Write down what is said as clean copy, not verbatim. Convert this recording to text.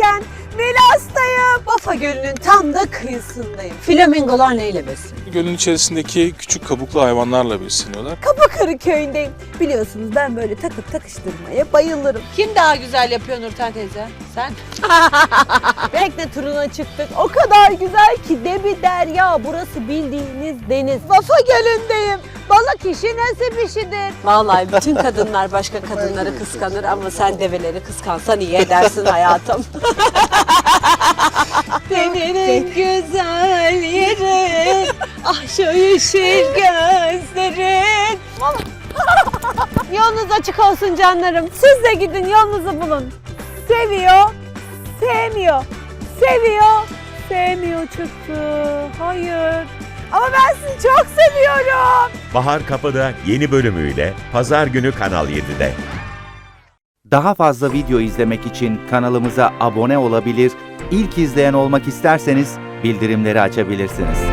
giderken Milas'tayım. Vafa Gölü'nün tam da kıyısındayım. Flamingolar neyle besleniyor? Gölün içerisindeki küçük kabuklu hayvanlarla besleniyorlar. Kapıkırı köyündeyim. Biliyorsunuz ben böyle takıp takıştırmaya bayılırım. Kim daha güzel yapıyor Nurten teyze? Sen? Tekne turuna çıktık. O kadar güzel ki debi derya. Burası bildiğiniz deniz. Vafa Gölü'ndeyim. Balık işi nasip işidir. Vallahi bütün kadınlar başka kadınları kıskanır ama sen develeri kıskansan iyi edersin hayatım. Senin güzel yerin, ah şu yeşil gözlerin. Yolunuz açık olsun canlarım. Siz de gidin yolunuzu bulun. Seviyor, sevmiyor. Seviyor, sevmiyor çıktı. Hayır. Ama ben sizi çok seviyorum. Bahar Kapı'da yeni bölümüyle Pazar günü Kanal 7'de. Daha fazla video izlemek için kanalımıza abone olabilir, ilk izleyen olmak isterseniz bildirimleri açabilirsiniz.